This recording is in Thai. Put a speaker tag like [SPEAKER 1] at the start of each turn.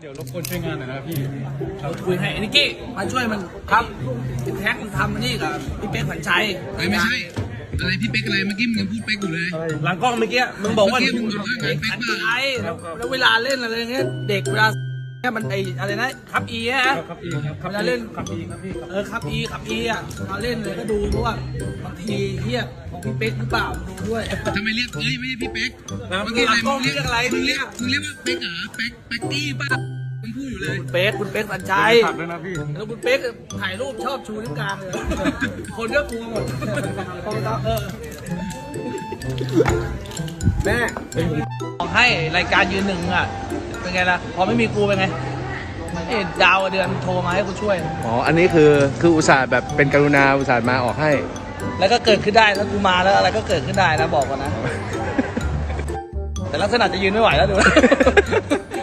[SPEAKER 1] เดี๋ยวรบกวนช่วยงานหน่อยนะพี่
[SPEAKER 2] เราคุยให้นิกกี้มาช่วยมันครับพี่แท็กมันทำนี่กับพี่เป๊กผันชัย
[SPEAKER 3] ไม่ใช่อะไรพี่เป๊กอะไรเมื่อกี้มึงยังพูดเป๊กอยู่เลย
[SPEAKER 2] หลังกล้องเมื่อกี้มึงบอกว่า
[SPEAKER 3] เมื่อกี้มึงบอกว่างานเป๊ก
[SPEAKER 2] ผัน
[SPEAKER 3] ป่ะ
[SPEAKER 2] ชัยแล้วเวลาเล่นอะไรเงี้ยเด็กเวลาเนี่ยมันไออะไรนะครับอีฮะ
[SPEAKER 1] ครับอีครับ
[SPEAKER 2] เวลาเล่น
[SPEAKER 1] ครับอีครับพี่ครับ
[SPEAKER 2] ขับอีอ่ะมาเล่นเลยก็ดูเพราะว่าบางทีเฮียของพี่เป๊กหรือเปล่าดูด้วย
[SPEAKER 3] ทำไมเรียกไม่ใช่พี่เป๊ก
[SPEAKER 2] เมื่อกี้หลังกล้องเรียกอะไร
[SPEAKER 3] มึงเรียกว่าเป๊กเหรอเป๊กกี้ป่ะมึงพูดอยู่เลย
[SPEAKER 2] คุณเป๊กผันชัย
[SPEAKER 1] ฝากด้วยนะพี่
[SPEAKER 2] แล้วคุณเป๊กถ่ายรูปชอบชูนิ้วกลางเลย คนก็กลัวหมดแม่บอกให้รายการยืนหนึ่งอ่ะ เป็นไงล่ะ พอไม่มีกูเป็นไงเอ็ดดาวเดือนโทรมาให้กูช่วย
[SPEAKER 4] อ๋อ อันนี้คืออุตส่าห์แบบเป็นกรุณาอุตส่าห์มาออกให้
[SPEAKER 2] แล้วก็เกิดขึ้นได้ถ้ากูมาแล้วอะไรก็เกิดขึ้นได้นะบอกก่อนนะ แต่ลักษณะจะยืนไม่ไหวแล้วดู